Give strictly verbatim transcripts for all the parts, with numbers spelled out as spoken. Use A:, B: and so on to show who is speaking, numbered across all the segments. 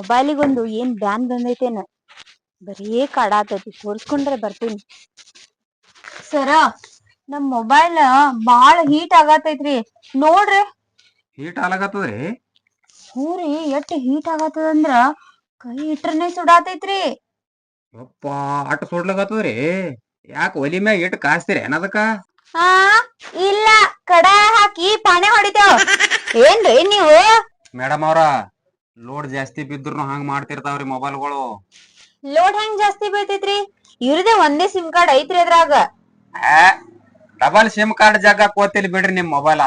A: ಮೊಬೈಲಿಗೊಂದು ಏನ್ ಬ್ಯಾನ್ ಬಂದೈತೇನ ಬರೀ ಕಾಡಾತೈತಿ ತೋರ್ಸ್ಕೊಂಡ್ರೆ ಬರ್ತೀನಿ. ಸರ ನಮ್ ಮೊಬೈಲ್ ಬಾಳ ಹೀಟ್ ಆಗತೈತ್ರಿ ನೋಡ್ರಿ.
B: ಹೀಟ್ ಆಗ್ಲಾಕತ್ತದ್ರಿ?
A: ಹೂರಿ ಎಷ್ಟ್ ಹೀಟ್ ಆಗತ್ತದಂದ್ರ ಕೈ ಇಟ್ರನೆ ಸುಡಾತೈತ್ರಿ.
B: ಯಪ್ಪ ಅಟ್ ಸುಡ್ಲಾಕತ್ತದ್ರಿ? ಯಾಕ ಒಲಿ ಮ್ಯಾಗ ಇಟ್ಟು ಕಾಸ್ತೀರಿ ಏನದಕ್ಕ?
A: ಹಾ ಇಲ್ಲ ಕಡಾಯ ಹಾಕಿ ಪಾನೆ ಹೊಡಿತೇವ್. ಏನ್ರಿ ನೀವು?
B: ಮೇಡಮ್ ಅವ್ರ ಲೋಡ್ ಜಾಸ್ತಿ ಬಿದ್ರು ಹಂಗ ಮಾಡ್ತಿರ್ತಾವ್ರಿ ಮೊಬೈಲ್ಗಳು.
A: ಲೋಡ್ ಹೆಂಗ್ ಜಾಸ್ತಿ ಬೀಳ್ತೈತ್ರಿ? ಇವ್ರದೇ ಒಂದೇ ಸಿಮ್ ಕಾರ್ಡ್ ಐತ್ರಿ ಅದ್ರಾಗ.
B: ಡಬಲ್ ಸಿಮ್ ಕಾರ್ಡ್ ಜಾಗ ಕೋತಿಲ್ ಬಿಡ್ರಿ ನಿಮ್ ಮೊಬೈಲ.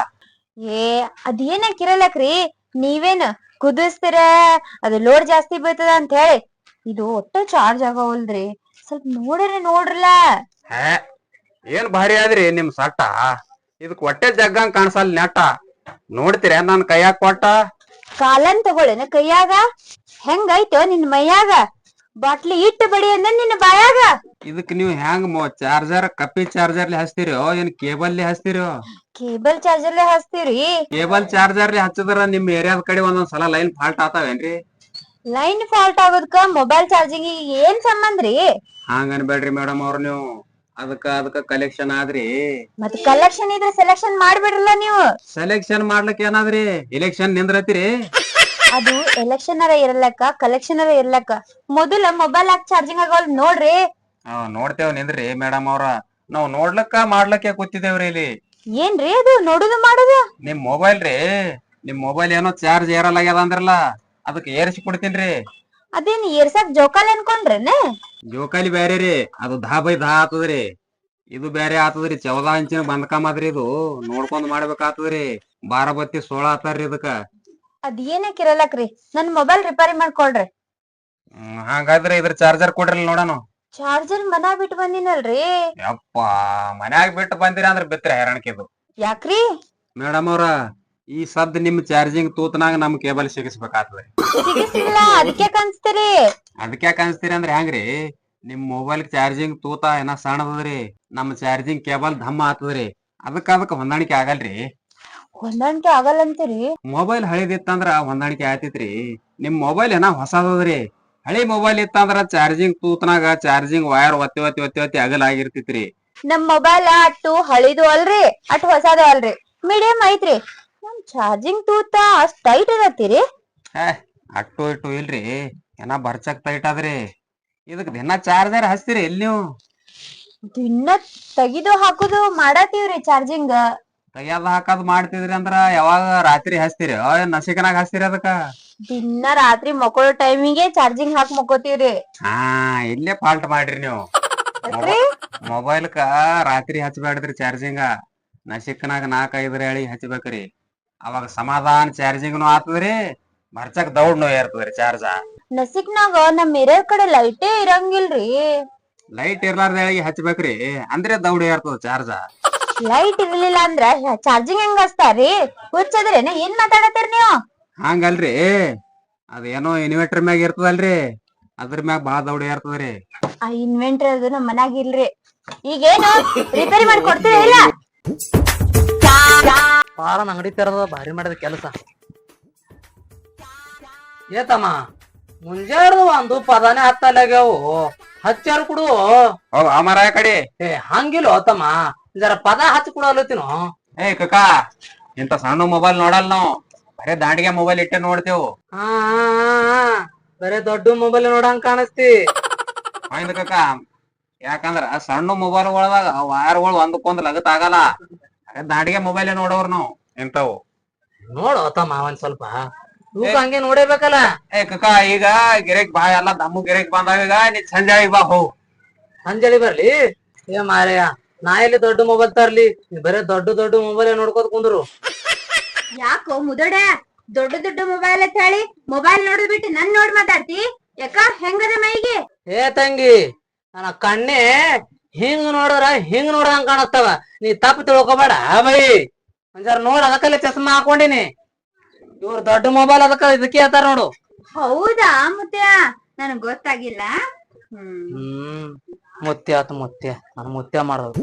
A: ಏ ಅದೇನ ಕಿರಲಕ್ರಿ, ನೀವೇನ್ ಕುದಿಸ್ತೀರ ಅದು ಲೋಡ್ ಜಾಸ್ತಿ ಬೀಳ್ತದ ಅಂತ ಹೇಳಿ. ಇದು ಒಟ್ಟ ಚಾರ್ಜ್ ಆಗವಲ್ದ್ರಿ, ಸ್ವಲ್ಪ ನೋಡ್ರಿ ನೋಡ್ರಲ್ಲ.
B: ಹೇ ಏನ್ ಭಾರಿ ಆದ್ರಿ ನಿಮ್ ಸಟ್ಟ, ಇದಕ್ ಹೊಟ್ಟೆ ಜಗ್ಗಂಗ್ ಕಾಣಸಲ್ ನೆಟ್ಟ. ನೋಡ್ತೀರ ನನ್ ಕೈಯಾಗ ಕೊಟ್ಟ?
A: ಕಾಲನ್ ತಗೊಳೇನ ಕೈಯಾಗ? ಹೆಂಗೈತೋ ನಿನ್ ಮೈಯಾಗ? ಬಾಟ್ಲಿ ಇಟ್ಟು ಬಡಿ ಅಂದ ನಿನ್ನ ಬಾಯಾಗ.
B: ಇದಕ್ ನೀವ್ ಹೆಂಗ್ ಚಾರ್ಜರ್ ಕಪ್ಪಿ ಚಾರ್ಜರ್ಲಿ ಹಚ್ತಿರೋ ಏನ್ ಕೇಬಲ್ ಹಚ್ತಿರೋ?
A: ಕೇಬಲ್ ಚಾರ್ಜರ್ಲೆ ಹಚ್ತೀವ್ರಿ.
B: ಕೇಬಲ್ ಚಾರ್ಜರ್ಲಿ ಹಚ್ಚಿದ್ರ ನಿಮ್ ಏರಿಯಾದ ಕಡೆ ಒಂದೊಂದ್ ಸಲ ಲೈನ್ ಫಾಲ್ಟ್ ಆತಾವೇನ್ರಿ?
A: ಲೈನ್ ಫಾಲ್ಟ್ ಆಗೋದಕ್ಕ ಮೊಬೈಲ್ ಚಾರ್ಜಿಂಗ್ ಏನ್ ಸಂಬಂಧ್ರಿ?
B: ಹಂಗ ಅನ್ಬೇಡ್ರಿ ಮೇಡಮ್ ಅವ್ರ, ನೀವು ಅದಕ್ಕ ಅದಕ್ಕ ಕಲೆಕ್ಷನ್ ಆದ್ರಿ.
A: ಮತ್ ಕಲೆಕ್ಷನ್ ಇದ್ರೆ ಸೆಲೆಕ್ಷನ್ ಮಾಡ್ಬಿಡ್ರಲ್ಲ ನೀವು.
B: ಸೆಲೆಕ್ಷನ್ ಮಾಡ್ಲಕ್ ಏನಾದ್ರಿ ಎಲೆಕ್ಷನ್ ನಿಂದ್ರತಿರಿ?
A: ಅದು ಎಲೆಕ್ಷನ್ ಅರ ಇರ್ಲಕ್ಕ ಕಲೆಕ್ಷನ್ ಅರ ಇರ್ಲಕ್ಕ ಮೊದಲ ಮೊಬೈಲ್ ಹಾಕಿ ಚಾರ್ಜಿಂಗ್ ಆಗವಲ್ ನೋಡ್ರಿ.
B: ನಾವ್ ನೋಡ್ತೇವ್ ನಿಂದ್ರಿ ಮೇಡಮ್ ಅವ್ರ, ನಾವ್ ನೋಡ್ಲಕ್ಕ ಮಾಡ್ಲಕ್ಕೆ ಕೂತಿದೇವ್ರಿ ಇಲ್ಲಿ.
A: ಏನ್ರಿ ಅದು ನೋಡುದು ಮಾಡುದು?
B: ನಿಮ್ ಮೊಬೈಲ್ ರೀ, ನಿಮ್ ಮೊಬೈಲ್ ಏನೋ ಚಾರ್ಜ್ ಏರಲಾಗ್ಯದ ಅಂದ್ರಲ್ಲ, ಅದಕ್ಕೆ ಏರಿಸಿ ಕೊಡ್ತೀನ್ರಿ.
A: ಅದೇನ್ ಏರ್ಸಾಕ್ ಜೋಕಾಲಿ ಅನ್ಕೊಂಡ್ರೇನ?
B: ಜೋಕಾಲಿ ಬ್ಯಾರೆ ರೀ, ಅದು ದಾ ಬೈ ದಾ ಆತದ್ರಿ. ಇದು ಬ್ಯಾರೆ ಆತದ್ರಿ, ಚೌದಾ ಇಂಚಿನ ಬಂದ್ಕಂಬದ್ರಿ. ಇದು ನೋಡ್ಕೊಂಡ್ ಮಾಡ್ಬೇಕಾಗ್ತದ್ರಿ. ಬಾರಬತ್ತಿ ಸೋಳ ಆತಾರ್ರಿ ಇದಕ್ಕ.
A: ಅದ್ ಏನಕ್ ಇರಲಕ್ರಿ, ನನ್ ಮೊಬೈಲ್ ರಿಪೇರಿ ಮಾಡ್ಕೊಳ್ರಿ.
B: ಹ್ಮ್ ಹಾಗಾದ್ರೆ ಇದ್ರ ಚಾರ್ಜರ್ ಕೊಡ್ರಿ ನೋಡೋಣ.
A: ಚಾರ್ಜರ್ ಮನಾ ಬಿಟ್ಟು ಬಂದಿನಲ್ರಿ.
B: ಯಪ್ಪ ಮನ್ಯಾಗ ಬಿಟ್ಟು ಬಂದಿರ ಅಂದ್ರ ಬಿತ್ರಿ ಹೈರಾಣಿಕೆದು.
A: ಯಾಕ್ರಿ?
B: ಮೇಡಮ್ ಅವ್ರ, ಈ ಸದ್ ನಿಮ್ ಚಾರ್ಜಿಂಗ್ ತೂತನಾಗ ನಮ್ ಕೇಬಲ್ ಸಿಗಿಸ್ಬೇಕಾಗ್ತದೆ.
A: ಸಿಗಿಸಿಲ್ಲ ಅದಕ್ಕೆ ಕನ್ಸ್ತೀರಿ?
B: ಅದಕ್ಕೆ ಅನ್ಸ್ತೀರಿ ಅಂದ್ರೆ ಹೆಂಗ್ರಿ? ನಿಮ್ ಮೊಬೈಲ್ ಚಾರ್ಜಿಂಗ್ ತೂತ ಏನ ಸಣ್ಣದದ್ರಿ, ನಮ್ ಚಾರ್ಜಿಂಗ್ ಕೇಬಲ್ ಧಮ್ಮ ಆತದ್ರಿ. ಅದಕ್ಕ ಅದಕ್ಕ ಹೊಂದಾಣಿಕೆ ಆಗಲ್ರಿ.
A: ಹೊಂದಾಣಿಕೆ ಆಗಲ್ಲ ಅಂತೀರಿ?
B: ಮೊಬೈಲ್ ಹಳಿದಿತ್ತಂದ್ರ ಹೊಂದಾಣಿಕೆ ಆಯ್ತಿತ್ರಿ. ನಿಮ್ ಮೊಬೈಲ್ ಏನ ಹೊಸದದ್ರಿ. ಹಳಿ ಮೊಬೈಲ್ ಇತ್ತಂದ್ರ ಚಾರ್ಜಿಂಗ್ ತೂತನಾಗ ಚಾರ್ಜಿಂಗ್ ವೈರ್ ಒತ್ತಿ ಒತ್ತಿ ಒತ್ತಿ ಒತ್ತಿ ಅಗಲ್ ಆಗಿರ್ತಿತ್ರಿ.
A: ನಮ್ ಮೊಬೈಲ್ ಅಟ್ಟು ಹಳಿದು ಅಲ್ರಿ ಅಟ್ ಹೊಸದು ಅಲ್ರಿ, ಮೀಡಿಯಂ ಐತ್ರಿ. ನಮ್ ಚಾರ್ಜಿಂಗ್ ತೂತ ಅಷ್ಟ್ ಟೈಟ್ ಇರತ್ತೀರಿ?
B: ಹೇ ಅಟ್ಟು ಇಟ್ಟು ಇಲ್ರಿ, ಏನ ಬರ್ಚಕ್ ಟೈಟ್ ಆದ್ರಿ. ಇದಕ್ ದಿನ ಚಾರ್ಜರ್ ಹಚ್ತೀರಿ ಎಲ್ಲಿ ನೀವು?
A: ದಿನ ತೆಗಿದು ಹಾಕುದು ಮಾಡತೀವ್ರಿ ಚಾರ್ಜಿಂಗ್.
B: ತೆಗಿಯೋದ್ ಹಾಕದ್ ಮಾಡ್ತಿದ್ರಿ ಅಂದ್ರ ಯಾವಾಗ ರಾತ್ರಿ ಹಚ್ತೀರಿ ನಸಿಕನಾಗ ಹಚ್ತೀರಿ ಅದಕ್ಕ?
A: ದಿನ ರಾತ್ರಿ ಮಕ್ಕಳೋ ಟೈಮಿಗೆ ಚಾರ್ಜಿಂಗ್ ಹಾಕಿ ಮಕ್ಕೋತೀವ್ರಿ.
B: ಹಾ ಇಲ್ಲೇ ಫಾಲ್ಟ್ ಮಾಡ್ರಿ ನೀವು. ಮೊಬೈಲ್ಕ ರಾತ್ರಿ ಹಚ್ಬೇಡ್ದ್ರಿ ಚಾರ್ಜಿಂಗ, ನಸಿಕನಾಗ ನಾಕ್ ಐದ್ರ ಹೇಳಿ ಹಚ್ಬೇಕ್ರಿ. ಅವಾಗ ಸಮಾಧಾನ ಚಾರ್ಜಿಂಗ್ನು ಆತದ್ರಿ, ಬರ್ಚಕ್ ದೌಡ್ನು ಏರ್ತದ್ರಿ ಚಾರ್ಜ.
A: ನಸಿಕ್ನಾಗ ನಮ್ ಏರಿಯಾ ಕಡೆ ಲೈಟೇ ಇರಂಗಿಲ್ರಿ.
B: ಲೈಟ್ ಇರ್ಲಾರ್ದ ಹೇಳಿ ಹಚ್ಬೇಕ್ರಿ, ಅಂದ್ರೆ ದೌಡ್ ಏರ್ತದ ಚಾರ್ಜ.
A: ಲೈಟ್ ಇರ್ಲಿಲ್ಲ ಅಂದ್ರ ಚಾರ್ಜಿಂಗ್ ಹೆಂಗ್ ಹಚ್ತಾರಿ? ಹುಚ್ಚದ್ರೇನ ಏನ್ ಮಾತಾಡತ್ತೀರಿ ನೀವು?
B: ಹಂಗಲ್ರಿ, ಅದೇನೋ ಇನ್ವರ್ಟರ್ ಮ್ಯಾಗ ಇರ್ತದಲ್ರಿ, ಅದ್ರ ಮ್ಯಾಗ ಬಾಳ ದೌಡ್ ಏರ್ತದ್ರಿ.
A: ಆ ಇನ್ವೆಂಟರ್ ಅದು ನಮ್ ಮನ್ಯಾಗ ಇಲ್ರಿ. ಈಗೇನು ರಿಪೇರಿ ಮಾಡಿ ಕೊಡ್ತೀರಾ ಇಲ್ಲ?
C: ಬಾಳ ಅಂಗಡಿ ತೆರದ ಭಾರಿ ಮಾಡಿದ ಕೆಲಸ. ಏತಮ್ಮ ಮುಂಜಾನೆ ಒಂದು ಪದಾನೆ ಹತ್ತಲಾಗ್ಯಾವು, ಹಚ್ಚಾರು ಕೊಡು.
B: ಅಮರ ಕಡೆ
C: ಏ ಹಂಗಿಲ್ಲ ತಮ್ಮ, ಜರ ಪದ ಹಚ್ಚಿ ಕೊಡಲತ್ತೀನೋ.
B: ಏ ಕಕ್ಕ, ಇಂತ ಸಣ್ಣ ಮೊಬೈಲ್ ನೋಡಲ್ ನಾವು, ಬರೇ ದಾಂಡಿಗೆ ಮೊಬೈಲ್ ಇಟ್ಟೆ ನೋಡ್ತೇವು.
C: ಹಾ ಬರೇ ದೊಡ್ಡ ಮೊಬೈಲ್ ನೋಡಂಗ್ ಕಾಣಿಸ್ತಿ.
B: ಆಯ್ತು ಕಕ್ಕ, ಯಾಕಂದ್ರ ಸಣ್ಣ ಮೊಬೈಲ್ ಒಳದಾಗ ವೈರ್ಗಳು ಒಂದಕ್ಕೊಂದ್ ಲಗತ್ ಆಗಲ್ಲ. ದಾಂಡಿಗೆ ಮೊಬೈಲ್ ನೋಡವ್ರ ನಾವು ಇಂತವು.
C: ನೋಡು ತಮ್ಮ ಒಂದ್ ಸ್ವಲ್ಪ ತೂಕ ಹಂಗೆ ನೋಡೇಬೇಕಲ್ಲ.
B: ಏ ಕಕ್ಕ, ಈಗ ಗಿರೇಕ್ ಬಾ, ಎಲ್ಲ ದಮ್ಮು ಗಿರೇಕ್ ಬಂದಾಗ ಈಗ ನೀ ಸಂಜಾಳಿ ಬಾ ಹೋ.
C: ಅಂಜಲಿ ಬರ್ಲಿ? ಏ ಮಾರಯ್ಯ, ನಾ ಎಲ್ಲಿ ದೊಡ್ಡ ಮೊಬೈಲ್ ತರ್ಲಿ, ಬರೇ ದೊಡ್ಡ ದೊಡ್ಡ ಮೊಬೈಲ್ ನೋಡ್ಕೋತ ಕುಂದ್ರು.
A: ಯಾಕೋ ಮುದೋಡ, ದೊಡ್ಡ ದೊಡ್ಡ ಮೊಬೈಲ್ ಅಂತ ಹೇಳಿ ಮೊಬೈಲ್ ನೋಡ್ ಬಿಟ್ಟು ನನ್ ನೋಡ್ ಮಾತಾಡ್ತಿ? ಯಾಕ ಹೆಂಗದ ಮೈಗೆ?
C: ಏ ತಂಗಿ, ನನ್ನ ಕಣ್ಣೆ ಹಿಂಗ್ ನೋಡಿದ್ರ ಹಿಂಗ್ ನೋಡ್ದಂಗ್ ಕಾಣಸ್ತವ, ನೀ ತಪ್ಪು ತಿಳ್ಕೊಬೇಡ ಬೈ. ಒಂಜಾರ ನೋಡ್, ಅದಕ್ಕಲ್ಲಿ ಚಸ್ಮಾ ಹಾಕೊಂಡಿನಿ. ಇವ್ರ ದೊಡ್ಡ ಮೊಬೈಲ್ ಅದಕ್ಕ ಇದಕ್ಕೆ ಹೇಳ್ತಾರ ನೋಡು.
A: ಹೌದಾ ಮುತ್ಯ, ನನಗ್ ಗೊತ್ತಾಗಿಲ್ಲ. ಹ್ಮ್
C: ಹ್ಮ್ ಮುತ್ಯ ಆತ ಮುತ್ಯ, ನಾನು ಮುತ್ಯ ಮಾಡೋದು.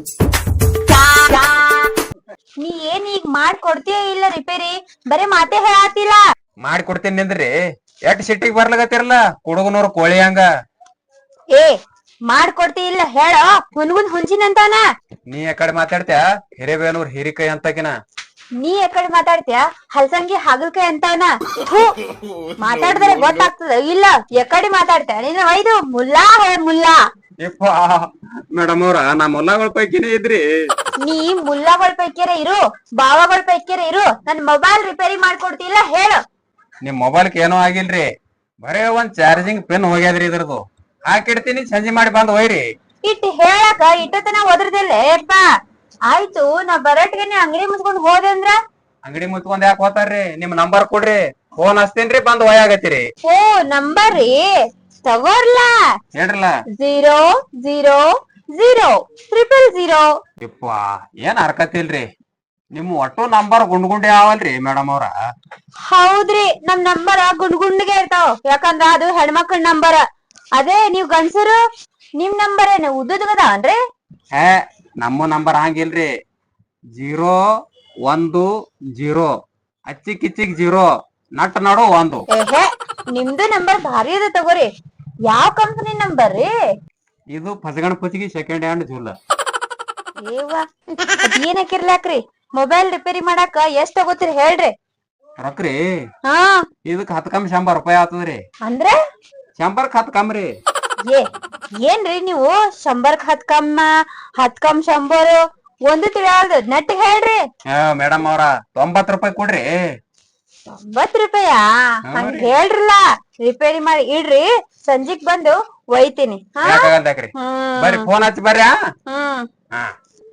A: ನೀ ಏನ್ ಈಗ ಮಾಡ್ಕೊಡ್ತೀಯ ಇಲ್ಲ ರಿಪೇರಿ? ಬರೇ ಮಾತೇ ಹೇಳಾತಿಲ್ಲ.
B: ಮಾಡಿ ಕೊಡ್ತೇನೆ ನಿಂದ್ರಿ. ಎಟ್ ಸಿಟ್ಟಿಗೆ ಬರ್ಲಾಗತ್ತಿರಲ್ಲ ಕುಡುಗನವ್ರ ಕೋಳಿ ಹಂಗ.
A: ಏ ಮಾಡ್ಕೊಡ್ತಿ ಇಲ್ಲ ಹೇಳ ಹುನ್ಗುನ್ ಹುಂಚಿನಂತಾನ.
B: ನೀ ಯಾಕಡೆ ಮಾತಾಡ್ತ್ಯಾ ಹಿರೇಬೇನೂರ್ ಹಿರಿಕೈ ಅಂತಕಿನ.
A: ನೀ ಯಾಕಡೆ ಮಾತಾಡ್ತೀಯ ಹಲ್ಸಂಗಿ ಹಾಗಲ್ಕಾಯಿ ಅಂತಾನ. ಮಾತಾಡಿದ್ರೆ ಗೊತ್ತಾಗ್ತದ ಇಲ್ಲ ಯಾಕಡೆ ಮಾತಾಡ್ತೀಯ ನೀನು ಒಯ್ದು ಮುಲ್ಲಾ ಹೇ ಮುಲ್ಲಾ.
B: ಯಪ್ಪ ಮೇಡಮ್ ಅವ್ರ ನಾ ಮೊಲ್ಲಗಳ ಪೈಕಿನೇ ಇದ್ರಿ.
A: ನೀ ಮುಲ್ಲಾಗಳ ಪೈಕ್ಯಾರ ಇರು ಬಾವಾಗಳ ಪೈಕ್ಯಾರ ಇರು ನನ್ ಮೊಬೈಲ್ ರಿಪೇರಿ ಮಾಡ್ಕೊಡ್ತಿಲ್ಲ ಹೇಳು.
B: ನಿಮ್ ಮೊಬೈಲ್ಕ್ ಏನೋ ಆಗಿಲ್ರಿ, ಬರೇ ಒಂದ್ ಚಾರ್ಜಿಂಗ್ ಪಿನ್ ಹೋಗ್ಯಾದ್ರಿ ಇದ್ರದು. ಹಾಕಿಡ್ತೀನಿ ಸಂಜೆ ಮಾಡಿ ಬಂದ್ ಒಯ್ರಿ.
A: ಇಟ್ ಹೇಳಕ ಇಟ್ಟತನ ಒದ್ರದಿಲ್ಲ ಯಪ್ಪ. ಆಯ್ತು ನಾ ಬರಟ್ಗೆ ನೀ ಅಂಗಡಿ ಮುಚ್ಕೊಂಡ್ ಹೋದೆ ಅಂದ್ರ.
B: ಅಂಗಡಿ ಮುಚ್ಕೊಂಡ್ ಯಾಕೆ ಹೋತಾರ್ರಿ, ನಿಮ್ ನಂಬರ್ ಕೊಡ್ರಿ ಫೋನ್ ಹಚ್ತೀನ್ರಿ ಬಂದ್ ಒಯ್ಯಾಗತ್ತೀರಿ.
A: ಓ ನಂಬರ್ ರೀ ತಗೋರ್ಲಾ.
B: ಹೇಳ್ರಲ್ಲ.
A: Zero zero zero triple zero.
B: ಯಪ್ಪ ಏನ್ ಹರ್ಕತಿಲ್ರಿ, ನಿಮ್ ಒಟ್ಟು ನಂಬರ್ ಗುಂಡ್ ಗುಂಡೆ ಯಾವಲ್ರಿ ಮೇಡಮ್ ಅವ್ರ.
A: ಹೌದ್ರಿ ನಮ್ ನಂಬರ್ ಗುಂಡ್ ಗುಂಡ್ಗೆ ಇರ್ತಾವ ಯಾಕಂದ್ರ ಅದು ಹೆಣ್ಮಕ್ಳ ನಂಬರ್. ಅದೇ ನೀವ್ ಗಂಡ್ಸರು ನಿಮ್ ನಂಬರ್ ಏನ ಉದ್ದದಗದವನ್ರಿ.
B: ಹೇ ನಮ್ಮ ನಂಬರ್ ಹಂಗಿಲ್ರಿ, ಜೀರೋ ಒಂದು ಜೀರೋ ಅಚ್ಚಿ ಕಿಚ್ಚಿಗ್ ಜೀರೋ ನಟ್ ನಡು ಒಂದು.
A: ಏಹೆ ನಿಮ್ದು ನಂಬರ್ ಭಾರಿ ಅದ ತಗೋರಿ. ಯಾವ ಕಂಪನಿ ನಂಬರ್ ರೀ
B: ಇದು ಫಸಗಣ ಪುಚ್ಚಿಗೆ ಸೆಕೆಂಡ್ ಹ್ಯಾಂಡ್ ಜೂಲ.
A: ಏವ ಏನಕ್ಕಿರ್ಲಾಕ್ರಿ ಮೊಬೈಲ್ ರಿಪೇರಿ ಮಾಡಾಕ ಎಷ್ಟ್ ತಗೋತೀರಿ ಹೇಳ್ರಿ.
B: ರೊಕ್ರಿ
A: ಹಾ
B: ಇದಕ್ ಹತ್ ಕಮ್ಮಿ ಶಂಬರ್ ರೂಪಾಯಿ ಆತದ್ರಿ.
A: ಅಂದ್ರೆ
B: ಶಂಬರ್ಕ್ ಹತ್ ಕಮ್ರಿ.
A: ಏ ಏನ್ರಿ ನೀವು ಶಂಬರ್ಕ್ ಹತ್ ಕಮ್ಮ ಹತ್ ಕಮ್ ಶಂಬರ್ ಒಂದು ತಿಳಿಯಾಳ್ದು ನಟ್ ಹೇಳ್ರಿ.
B: ಮೇಡಮ್ ಅವ್ರ ತೊಂಬತ್ ರೂಪಾಯಿ ಕೊಡ್ರಿ.
A: ತೊಂಬತ್ ರೂಪಾಯ ಹಂಗ ಹೇಳ್ರಲ್ಲ. ರಿಪೇರಿ ಮಾಡಿ ಇಡ್ರಿ ಸಂಜಿಗ್ ಬಂದು ಒಯ್ತೀನಿ. ಹಾ
B: ಯಾಕಾಗಲ್ದಾಕ್ರಿ ಬರ್ರಿ ಫೋನ್ ಹಚ್ಚಿ ಬರ್ರಿ.
A: ಹ್ಮ್
B: ಹಾ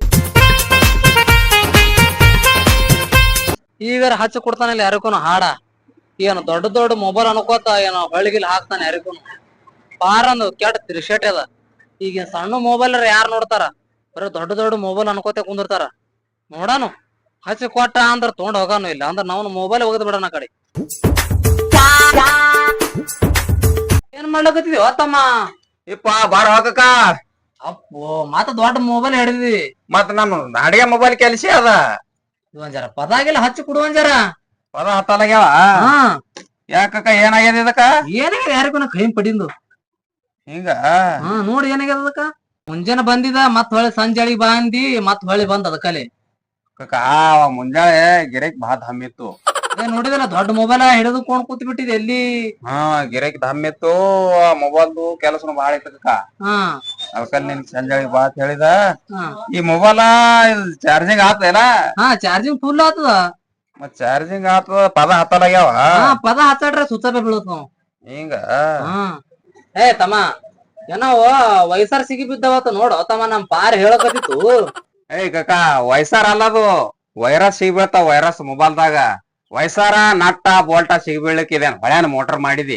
C: ಈಗ ಹಚ್ಚ ಕೊಡ್ತಾನಲ್ಲ ಯಾರಿಗೂ ಹಾಡ. ಏನು ದೊಡ್ಡ ದೊಡ್ಡ ಮೊಬೈಲ್ ಅನ್ಕೋತ ಏನೋ ಹೊಳಿಗಿಲ್ ಹಾಕ್ತಾನೆ ಯಾರಿಗೂ. ಬಾರಂದು ಕೆಟ್ಟ ತಿರ್ಸೇಟ್ ಅದ. ಈಗ ಸಣ್ಣ ಮೊಬೈಲ್ ಯಾರು ನೋಡ್ತಾರ, ಬರೀ ದೊಡ್ಡ ದೊಡ್ಡ ಮೊಬೈಲ್ ಅನ್ಕೋತ ಕುಂದಿರ್ತಾರ. ನೋಡಾನು ಹಚ್ಚಿ ಕೊಟ್ಟ ಅಂದ್ರ ತೊಗೊಂಡ್ ಹೋಗಾನು ಇಲ್ಲ ಅಂದ್ರ ನಾವು ಮೊಬೈಲ್ ಒಗದ್ ಬಿಡೋಣ ಕಡೆ. ಏನ್ ಮಾಡ್ಲಕತ್ತಿದೀವ ತಮ್ಮ?
B: ಇಪ್ಪ ಬಾರ ಹೋಗಕ್ಕ.
C: ಅಪ್ಪೋ ಮತ್ತ ದೊಡ್ಡ ಮೊಬೈಲ್ ಹಿಡಿದಿ.
B: ಮತ್ ನಮ್ ಅಡಿಗೆ ಮೊಬೈಲ್ ಕೆಲ್ಸ ಅದ.
C: ಒಂದ್ ಜರ ಪದಾಗಿಲ್ಲ ಹಚ್ಚಿ ಕೊಡುವಂದ್ ಜರ.
B: ಪದ ಹತ್ತಲಾಗ್ಯಾವ.
C: ಹಾ
B: ಯಾಕಕ್ಕ ಏನಾಗ್ಯದ ಇದಕ್ಕ?
C: ಏನಾಗ್ಯದ ಯಾರಿಗೂ ಕೈ ಪಡಿಂದು
B: ಹಿಂಗ.
C: ಹಾ ನೋಡಿ ಏನಾಗ್ಯದ ಅದಕ್ಕ. ಮುಂಜಾನೆ ಬಂದಿದ ಮತ್ ಹೊಳಿ ಸಂಜೆಳಿ ಬಂದಿ ಮತ್ ಹೊಳಿ ಬಂದ ಅದಕ್ಕಲ್ಲಿ.
B: ಕಕ್ಕ ಮುಂಜಾನೆ ಗಿರೆಕ್ ಬಹಳ ಧಮ್ ಇತ್ತು.
C: ಅದೇ ನೋಡಿದಲ್ಲ ದೊಡ್ಡ ಮೊಬೈಲ್ ಹಿಡಿದು ಕೊಂಡ್ ಕೂತ್ ಬಿಟ್ಟಿದೆ ಎಲ್ಲಿ.
B: ಹಾ ಗಿರೆಕ್ ಧಮ್ ಇತ್ತು, ಮೊಬೈಲ್ದು ಕೆಲಸನು ಬಾಳ ಇತ್ತು ಕಕ್ಕ.
C: ಹಾ
B: ಅದಕ್ಕಲ್ಲಿ ನಿನ್ ಸಂಜೆಳಿ ಬಾ ಅಂತ ಹೇಳಿದ.
C: ಹಾ
B: ಈ ಮೊಬೈಲ್ ಚಾರ್ಜಿಂಗ್ ಆತಲ್ಲ.
C: ಹಾ ಚಾರ್ಜಿಂಗ್ ಫುಲ್ ಆತದ.
B: ಮತ್ ಚಾರ್ಜಿಂಗ್ ಆತದ ಪದ ಹತ್ತಲಾಗ್ಯಾವ.
C: ಹಾ ಪದ ಹಚ್ಚಾಡ್ರೆ ಸುತ್ತಪೆ ಬೀಳತ್ ನಾವು
B: ಹಿಂಗ.
C: ಹಾ ಏ ತಮ್ಮ ಏನೋ ವಯಸ್ಸಾರ ಸಿಗಿ ಬಿದ್ದವತ್ತ ನೋಡು ತಮ್ಮ ನಮ್ ಪಾರ್ ಹೇಳಕತ್ತಿತ್ತು.
B: ಏಯ್ ಕಕ್ಕ ವಯಸ್ಸಾರ ಅಲ್ಲದು ವೈರಸ್ ಸಿಗ್ಬೀಳ್ತಾವ. ವೈರಸ್ ಮೊಬೈಲ್ದಾಗ ವಯಸ್ಸಾರ ನಟ್ಟ ಬೋಲ್ಟ ಸಿಗ್ಬೀಳಕ್ ಇದೇನ್ ಹೊಳ್ಯಾನ ಮೋಟರ್ ಮಾಡಿದಿ.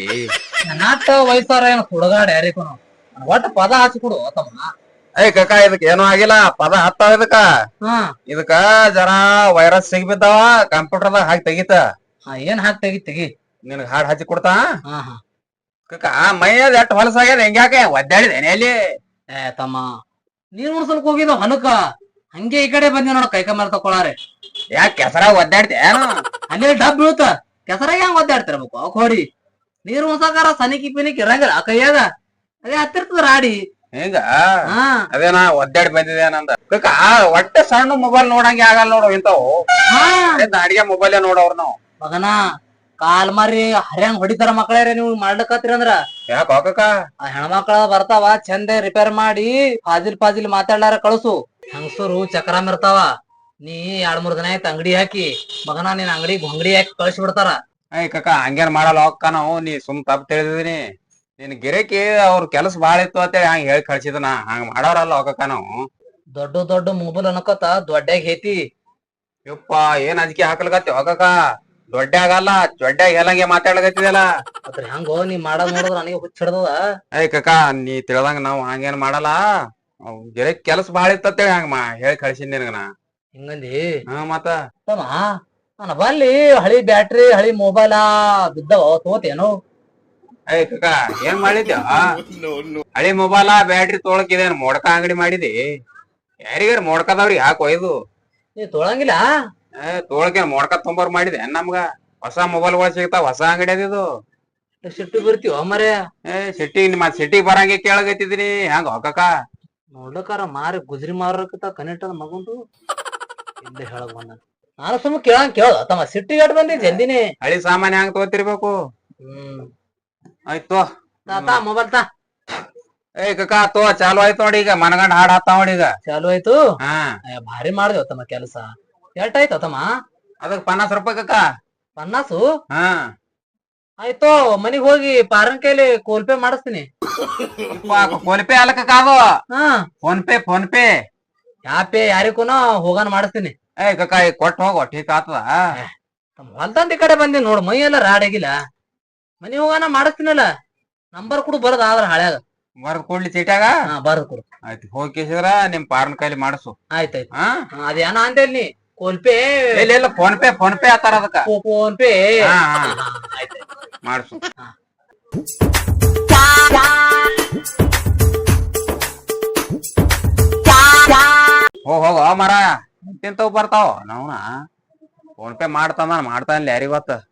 C: ನಾಟ ವಯಸ್ಸಾರ ಏನ್ ಹುಡುಗಾಡ ಯಾರಿಗೂ ಒಟ್ಟ ಪದ ಹಚ್ಚಿ ಕೊಡು ತಮ್ಮ.
B: ಏಯ್ ಕಕ್ಕ ಇದಕ್ ಏನೂ ಆಗಿಲ್ಲ, ಪದ ಹತ್ತಾವ ಇದಕ್ಕ.
C: ಹಾ
B: ಇದಕ್ಕ ಜರ ವೈರಸ್ ಸಿಗ್ಬಿದ್ದಾವ, ಕಂಪ್ಯೂಟರ್ದಾಗ ಹಾಕಿ ತೆಗಿತ.
C: ಹಾ ಏನ್ ಹಾಕಿ ತೆಗಿ ತೆಗಿ
B: ನಿನಗ್ ಹಾಡ್ ಹಚ್ಚಿ ಕೊಡ್ತಾ.
C: ಹಾ ಹಾ
B: ಕಕ್ಕ ಮೈಯದ್ ಎಷ್ಟ್ ಹೊಲಸಾಗ್ಯದ ಹೆಂಗ್ಯಾಕೆ ಒದ್ದಾಡಿದೇನೆ ಅಲ್ಲಿ.
C: ಏ ತಮ್ಮ ನೀರ್ ಉಣ್ಸಲ್ಕ್ ಹೋಗಿದ ಹೊಲಕ್ಕ ಹಂಗೆ ಈ ಕಡೆ ಬಂದಿ ನೋಡ ಕೈಕ ಮೇಲೆ ತಕೊಳಾರೆ.
B: ಯಾಕೆ ಕೆಸರ ಒದ್ದಾಡ್ತಿ ಏನು?
C: ಅಲ್ಲಿ ಡಬ್ ಬೀಳುತ್ತ ಕೆಸರಾಗ ಹೆಂಗ್ ಒದ್ದಾಡ್ತಿರ್ಬೇಕು ಅವ್ ಹೊಡಿ. ನೀರ್ ಉಣ್ಸಕಾರ ಸನಿಕಿ ಪಿನಿಕ್ ಇರಂಗಿಲ್ಲ ಆ ಕೈಯಾಗ, ಅದೇ ಹತ್ತಿರ್ತದ ರಾಡಿ.
B: ಹಿಂಗ
C: ಹಾ
B: ಅದೇನಾ ಒದ್ದಾಡಿ ಬಂದಿದೆ ನಂದ. ಕಕ್ಕ ಒಟ್ಟೆ ಸಣ್ಣ ಮೊಬೈಲ್ ನೋಡಂಗೆ ಆಗಲ್ಲ ನೋಡು ಇಂತಾವು.
C: ಹಾ
B: ಅಡಿಗೆ ಮೊಬೈಲ್ ನೋಡವ್ರ ನಾವು.
C: ಮಗನ ಕಾಲ್ ಮಾರಿ ಹರ್ಯಾಂಗ್ ಹೊಡಿತಾರ ಮಕ್ಕಳೇರೆ ನೀವು ಮಾಡ್ಲಕತ್ತೀರಿ ಅಂದ್ರ.
B: ಯಾಕ ಕಕ್ಕ?
C: ಆ ಹೆಣ್ಮಕ್ಳ ಬರ್ತಾವ ಚಂದ ರಿಪೇರ್ ಮಾಡಿ ಫಾಜಿಲ್ ಫಾಜಿಲ್ ಮಾತಾಡ್ಲಾರ ಕಳ್ಸು. ಹಂಗಸರು ಚಕ್ರಾಮ್ ಇರ್ತಾವ. ನೀ ಎರಡ್ ಮೂರ್ ದಿನ ಆಯ್ತು ಅಂಗಡಿ ಹಾಕಿ ಮಗನ ನೀನ್ ಅಂಗಡಿ ಅಂಗಡಿ ಹಾಕಿ ಕಳ್ಸಿ ಬಿಡ್ತಾರ.
B: ಏಯ್ ಕಕ್ಕ ಹಂಗೇನ್ ಮಾಡಲ್ಲ ಹೋಗ್ಕ ನಾವು. ನೀ ಸುಮ್ ತಪ್ಪ ತಿಳಿದಿದೀನಿ. ನಿನ್ ಗಿರೇಕಿ ಅವ್ರ ಕೆಲಸ ಬಾಳ ಇತ್ತು ಅಂತೇಳಿ ಹಂಗ ಹೇಳಿ ಕಳ್ಸಿದನ. ಹಂಗ ಮಾಡೋರಲ್ಲ ಹೋಗಕ್ಕ ನಾವು.
C: ದೊಡ್ಡ ದೊಡ್ಡ ಮೊಬೈಲ್ ಅನ್ಕೋತ ದೊಡ್ಡಾಗ ಹೇತಿ.
B: ಯಪ್ಪ ಏನ್ ಅಂಜಿಕೆ ಹಾಕ್ಲಕತ್ತಿ ಹೋಗಕ್ಕ. ದೊಡ್ಡ ಆಗಲ್ಲ ದೊಡ್ಡ ಹೇಳಂಗೆ ಮಾತಾಡ್ಲಕತ್ತಿದಲ್ಲ.
C: ಅದ್ರ ಹಂಗೋ ನೀ ಮಾಡೋದ್ ನೋಡಿದ್ರ ನನಗೆ ಹುಚ್ಚಿಡ್ದದ.
B: ಏಯ್ ಕಕ್ಕ ನೀ ತಿಳ್ದಂಗ ನಾವ್ ಹಂಗೇನ್ ಮಾಡಲ್ಲ. ಗಿರೇಕ್ ಕೆಲಸ ಬಾಳ ಇತ್ತು ಅಂತೇಳಿ ಹಂಗ ಮಾ ಹೇಳಿ ಕಳ್ಸಿನ್ ನಿನಗ ನಾ.
C: ಹಿಂಗಂದಿ
B: ಹಾ ಮತ್ತ
C: ತಮ್ಮ ನಾನು ಬಲ್ಲಿ ಹಳಿ ಬ್ಯಾಟ್ರಿ ಹಳಿ ಮೊಬೈಲ ಬಿದ್ದವ ತೋತೇನು?
B: ಏಯ್ ಕಕ್ಕ ಏನ್ ಮಾಡಿದ್ಯ? ಹಳಿ ಮೊಬೈಲ ಬ್ಯಾಟ್ರಿ ತೊಳಕಿದೇನ್ ಮೊಡ್ಕ ಅಂಗಡಿ ಮಾಡಿದಿ? ಯಾರಿಗಾರ ಮೊಡ್ಕದವ್ರಿ ಯಾಕೆ ಒಯ್ದು?
C: ನೀ ತೊಳಂಗಿಲ್ಲ.
B: ಏ ತೊಳಕೇನ್ ಮೊಡ್ಕ ತೊಂಬರ್ ಮಾಡಿದೆ ನಮ್ಗ. ಹೊಸ ಮೊಬೈಲ್ ಗಳು ಸಿಗ್ತಾವ, ಹೊಸ ಅಂಗಡಿ ಅದಿದು.
C: ಸಿಟ್ಟು ಬರ್ತೀವ ಮರೆ
B: ಏ ಸಿಟ್ಟಿಗ್ ನಿಮ್ಮ ಸಿಟ್ಟಿಗ್ ಬರಂಗೆ ಕೇಳಗತ್ತಿದ್ರಿ ಹಂಗ ಹೋಗಕ್ಕ
C: ನೋಡ್ಲಕಾರ ಮಾರಿ ಗುಜ್ರಿ ಮಾರಕತ್ತ ಕನೆಕ್ಟ್ ಅದ ಮಗುಂದು ಹಿಂದೆ ಹೇಳಕ್ ಬಂದ ನಾನು ಸುಮ್ಮ ಕೇಳಂಗ್ ಕೇಳ ತಮ್ಮ ಸಿಟ್ಟಿಗೆ ಅಟ್ ಬಂದಿ ಜಲ್ದಿನಿ
B: ಹಳಿ ಸಾಮಾನ್ಯ ಹಂಗ ತಗೋತಿರ್ಬೇಕು
C: ಹ್ಮ್
B: ಆಯ್ತು
C: ತಾ ತಾ ಮೊಬೈಲ್ ತಾ
B: ಏ ಕಕ್ಕ ತೋ ಚಾಲು ಆಯ್ತು ನೋಡಿ ಈಗ ಮನಗಂಡ್ ಹಾಡ್ ಹಾಕ್ತಾವ ನೋಡಿ ಈಗ
C: ಚಾಲು ಆಯ್ತು
B: ಹಾ
C: ಅಯ್ಯ, ಭಾರಿ ಮಾಡ್ದೇವ ತಮ್ಮ ಕೆಲಸ ಎಷ್ಟಾಯ್ತು ತಮ್ಮ
B: ಅದಕ್ ಪನ್ನಾಸ್ ರೂಪಾಯಿ ಕಕ್ಕ
C: ಪನ್ನಾಸು
B: ಹಾ
C: ಆಯ್ತು ಮನಿಗ್ ಹೋಗಿ ಪಾರನ್ ಕೈಲಿ ಕೋಲ್ಪೇ ಮಾಡಿಸ್ತೀನಿ
B: ಫೋನ್ ಪೇ ಅಲ್ಲ ಕಕ್ಕ ಅದು
C: ಹಾ
B: ಫೋನ್ ಪೇ ಫೋನ್ ಪೇ
C: ಯಾಪೆ ಯಾರಿಗೂನ ಹೋಗಾನ ಮಾಡಿಸ್ತೀನಿ
B: ಏ ಕಕ್ಕ ಈಗ ಕೊಟ್ಟು ಹೋಗೋ ಠೀಕ್ ಆತದ
C: ತಮ್ಮ ಹೊಲ್ದಂದಿ ಕಡೆ ಬಂದಿ ನೋಡು ಮೈ ಎಲ್ಲ ರಾಡಾಗಿಲ್ಲ ಮನಿ ಹೋಗಾನ ಮಾಡಿಸ್ತೀನಲ್ಲ ನಂಬರ್ ಕೂಡ ಬರೋದ್ ಆದ್ರ ಹಳ್ಯಾಗ
B: ಬರ್ದ್ ಕೊಡ್ಲಿ ಚೀಟ್ಯಾಗ
C: ಹಾ ಬರೋದ್ ಕೊಡು
B: ಆಯ್ತು ಹೋಗಿಸಿದ್ರ ನಿಮ್ ಪಾರನ್ ಕೈಲಿ ಮಾಡಿಸು
C: ಆಯ್ತಾಯ್ತು
B: ಹಾ
C: ಅದೇನ ಅಂತೇಳಿ ನೀ ಕೋಲ್ಪೇ
B: ಇಲ್ಲ ಇಲ್ಲ ಫೋನ್ ಪೇ ಫೋನ್ ಪೇ ಆತಾರ ಅದಕ್ಕ
C: ಫೋನ್ ಪೇ
B: ಹಾ ಹಾ
C: ಆಯ್ತಾಯ್ತು
B: ಮಾಡಿಸು ಹೋಗ್ ಹೋಗ ಮರ ತಿಂತವ್ ಬರ್ತಾವ ನಾವ್ನ ಫೋನ್ ಪೇ ಮಾಡ್ತಾನ ಮಾಡ್ತಾನ ಯಾರಿಗ್ ಗೊತ್ತ